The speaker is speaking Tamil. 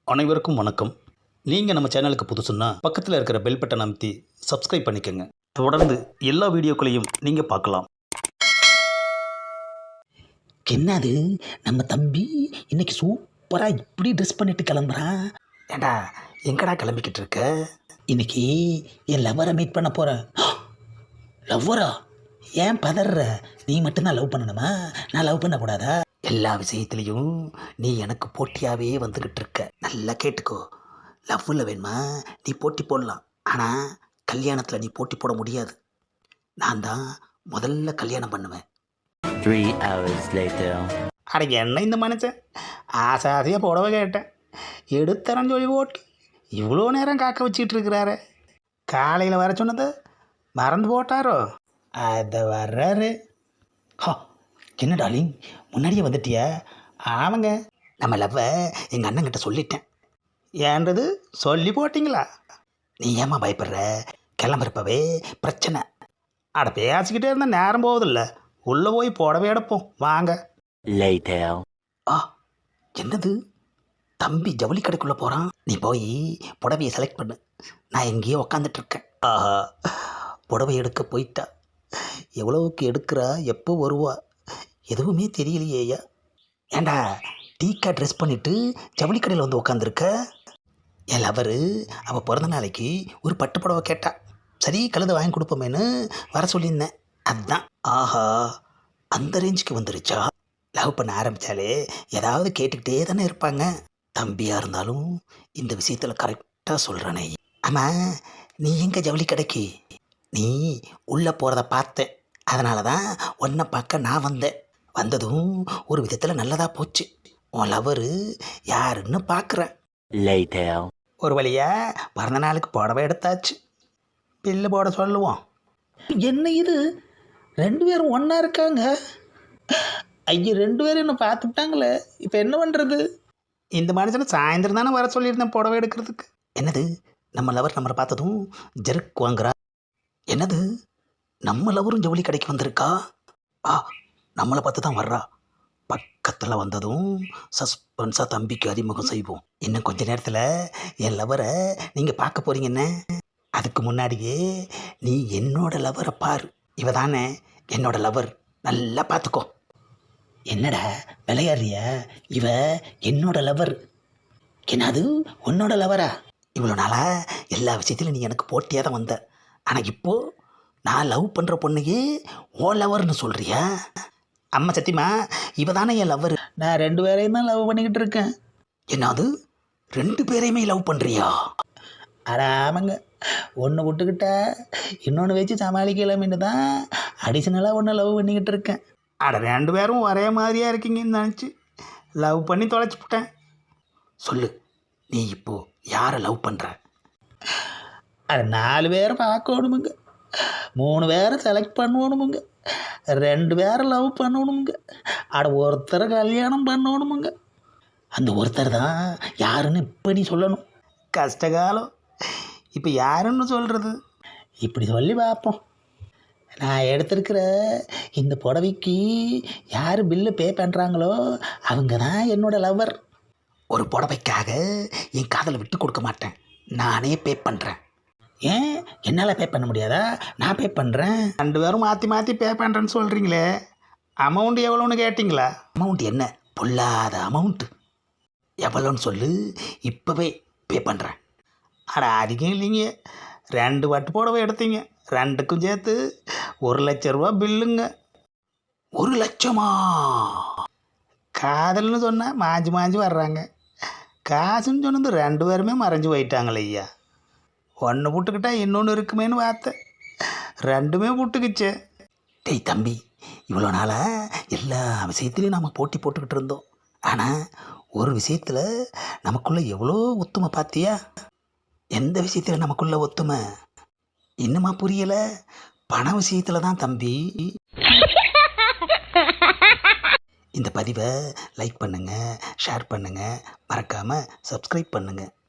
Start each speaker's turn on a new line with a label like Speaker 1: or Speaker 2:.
Speaker 1: அனைவருக்கும் வணக்கம். நீங்கள் நம்ம சேனலுக்கு புதுசுன்னா பக்கத்தில் இருக்கிற பெல் பட்டனை அமைத்தி சப்ஸ்கிரைப் பண்ணிக்கோங்க. தொடர்ந்து எல்லா வீடியோக்களையும் நீங்கள் பார்க்கலாம்.
Speaker 2: என்னது நம்ம தம்பி இன்னைக்கு சூப்பராக இப்படி ட்ரெஸ் பண்ணிட்டு கிளம்புறான்.
Speaker 1: ஏண்டா எங்கடா கிளம்பிக்கிட்டு இருக்க?
Speaker 2: இன்னைக்கு என் லவ்வரை மீட் பண்ண போகிறேன். லவ்வரா? ஏன் பதற? நீ மட்டும்தான் லவ் பண்ணணுமா? நான் லவ் பண்ணக்கூடாதா?
Speaker 1: எல்லா விஷயத்துலேயும் நீ எனக்கு போட்டியாகவே வந்துக்கிட்டு இருக்க. நல்லா கேட்டுக்கோ. லவ்வில் வேணுமா நீ போட்டி போடலாம், ஆனால் கல்யாணத்தில் நீ போட்டி போட முடியாது. நான் தான் முதல்ல கல்யாணம் பண்ணுவேன்.
Speaker 3: 3 hours later.
Speaker 1: அட என்ன இந்த மனுஷன் ஆசை ஆசையாக புடவை கேட்டேன், எடுத்தரன் சொல்லி போட்டு இவ்வளோ நேரம் காக்க வச்சிட்டு இருக்கிறாரு. காலையில் வர சொன்னது மறந்து போட்டாரோ?
Speaker 2: அதை வர்றாரு. ஹா, என்ன டார்லிங் முன்னாடியே வந்துட்டியா?
Speaker 1: ஆமாங்க, நம்ம லவ்வை எங்கள் அண்ணங்கிட்ட சொல்லிட்டேன். ஏன்றது சொல்லி போட்டிங்களா? நீ ஏம்மா பயப்படுற? கிளம்புறப்பவே பிரச்சனை. அட பேசிக்கிட்டே இருந்தால் நேரம் போகுதில்ல, உள்ளே போய் புடவை எடுப்போம் வாங்க.
Speaker 3: Later.
Speaker 1: ஆ, என்னது தம்பி ஜவுளி கடைக்குள்ளே போகிறான். நீ போய் புடவையை செலக்ட் பண்ணு, நான் எங்கேயோ உக்காந்துட்ருக்கேன். ஆஹா, புடவை எடுக்க போயிட்டா. எவ்வளவுக்கு எடுக்கிறா, எப்போ வருவா, எதுவுமே தெரியலையேயா. ஏண்டா டீக்கா ட்ரெஸ் பண்ணிவிட்டு ஜவுளி கடையில் வந்து உக்காந்துருக்க? என் லவரு அவள் பிறந்த நாளைக்கு ஒரு பட்டு புடவை கேட்டா. சரி கழுதை வாங்கி கொடுப்போமேன்னு வர சொல்லியிருந்தேன். அதுதான். ஆஹா, அந்த ரேஞ்சுக்கு வந்துருச்சா? லவ் பண்ண ஆரம்பித்தாலே ஏதாவது கேட்டுக்கிட்டே தானே இருப்பாங்க. தம்பியாக இருந்தாலும் இந்த விஷயத்தில் கரெக்டாக சொல்கிறானே. ஆமாம், நீ எங்கே ஜவுளி கடைக்கு? நீ உள்ளே போகிறத பார்த்தேன், அதனால தான் உன்னை பார்க்க நான் வந்தேன். வந்ததும் ஒரு விதத்தில் நல்லதாக போச்சு. உன் லவரு யாருன்னு பார்க்குறேன்.
Speaker 3: Later.
Speaker 1: ஒரு வழியாக பிறந்த நாளுக்கு புடவை எடுத்தாச்சு. பில்லு போட சொல்லுவோம்.
Speaker 2: என்ன இது, ரெண்டு பேரும் ஒன்றா இருக்காங்க? ஐயோ, ரெண்டு பேரும் என்ன பார்த்துட்டாங்களே, இப்போ என்ன பண்ணுறது?
Speaker 1: இந்த மனுஷனை சாயந்தரம் தானே வர சொல்லியிருந்தேன் புடவை எடுக்கிறதுக்கு. என்னது நம்ம லவர் நம்மளை பார்த்ததும் ஜெருக்கு வாங்குறா? என்னது நம்ம லவரும் ஜவுளி கடைக்கு வந்திருக்கா? ஆ, நம்மளை பார்த்து தான் வர்றா. பக்கத்தில் வந்ததும் சஸ்பென்ஸாக தம்பிக்கு அறிமுகம் செய்வோம். இன்னும் கொஞ்ச நேரத்தில் என் லவரை நீங்கள் பார்க்க போகிறீங்கன்னு. அதுக்கு முன்னாடியே நீ என்னோட லவரை பாரு. இவ தானே என்னோட லவர், நல்லா பார்த்துக்கோ.
Speaker 2: என்னடா விளையாடுறிய? இவ என்னோட லவர். என்னது உன்னோட லவரா?
Speaker 1: இவ்வளோ நாளாக எல்லா விஷயத்திலும் நீ எனக்கு போட்டியாக தான் வந்த, ஆனால் இப்போது நான் லவ் பண்ணுற பொண்ணையே ஓ லவர்னு சொல்கிறியா? அம்மா சத்தியமா இவ தானே என் லவர்.
Speaker 2: நான் ரெண்டு பேரையும் தான் லவ் பண்ணிக்கிட்டு இருக்கேன்.
Speaker 1: என்னது ரெண்டு பேரையுமே லவ் பண்ணுறியா?
Speaker 2: அட ஆமாங்க, ஒன்று விட்டுக்கிட்டா இன்னொன்று வச்சு சமாளிக்கலாமின்னு தான் அடிஷ்னலாக ஒன்று லவ் பண்ணிக்கிட்டு இருக்கேன்.
Speaker 1: அட ரெண்டு பேரும் ஒரே மாதிரியாக இருக்கீங்கன்னு நினச்சி லவ் பண்ணி தொலைச்சிப்பிட்டேன். சொல்லு, நீ இப்போது யாரை லவ் பண்ணுற?
Speaker 2: அட 4 பேரை பார்க்கணுமுங்க, 3 பேரை செலக்ட் பண்ணணுமுங்க, 2 பேரை லவ் பண்ணணுமுங்க, அட ஒருத்தரை கல்யாணம் பண்ணணுமுங்க. அந்த ஒருத்தர் தான் யாருன்னு இப்போ நீ சொல்லணும்.
Speaker 1: கஷ்டகாலம், இப்போ யாருன்னு சொல்கிறது?
Speaker 2: இப்படி சொல்லி பார்ப்போம். நான் எடுத்திருக்கிற இந்த புடவைக்கு யார் பில்லு பே பண்ணுறாங்களோ அவங்க தான் என்னோட லவர்.
Speaker 1: ஒரு புடவைக்காக என் காதலை விட்டு கொடுக்க மாட்டேன், நானே பே பண்ணுறேன்.
Speaker 2: ஏன் என்னால் பே பண்ண முடியாதா? நான் பே பண்ணுறேன்.
Speaker 1: ரெண்டு பேரும் மாற்றி மாற்றி பே பண்ணுறேன்னு சொல்கிறீங்களே, அமௌண்ட் எவ்வளோன்னு கேட்டிங்களா? அமௌண்ட் என்ன பொல்லாத அமௌண்ட்டு, எவ்வளோன்னு சொல்லு, இப்போவே பே பண்ணுறேன். அட அதிகம் இல்லைங்க, 2 பட்டு புடவை எடுத்தீங்க, 2க்கும் சேர்த்து 1,00,000 ரூபா பில்லுங்க. 1 லட்சமா? காதல்னு சொன்னால் மாஞ்சி மாஞ்சி வர்றாங்க, காசுன்னு சொன்னது 2 பேருமே மறைஞ்சு போயிட்டாங்களே ஐயா. ஒன்று புட்டுக்கிட்டா இன்னொன்று இருக்குமேன்னு பார்த்தேன், 2மே புட்டுக்குச்சு. டேய் தம்பி, இவ்வளோ நாளாக எல்லா விஷயத்துலையும் நம்ம போட்டி போட்டுக்கிட்டு இருந்தோம், ஆனால் ஒரு விஷயத்தில் நமக்குள்ளே எவ்வளோ ஒத்துமை பார்த்தியா? எந்த விஷயத்தில் நமக்குள்ள ஒத்துமை இன்னுமா புரியலை? பண விஷயத்தில் தான் தம்பி. இந்த பதிவை லைக் பண்ணுங்கள், ஷேர் பண்ணுங்கள், மறக்காமல் சப்ஸ்கிரைப் பண்ணுங்கள்.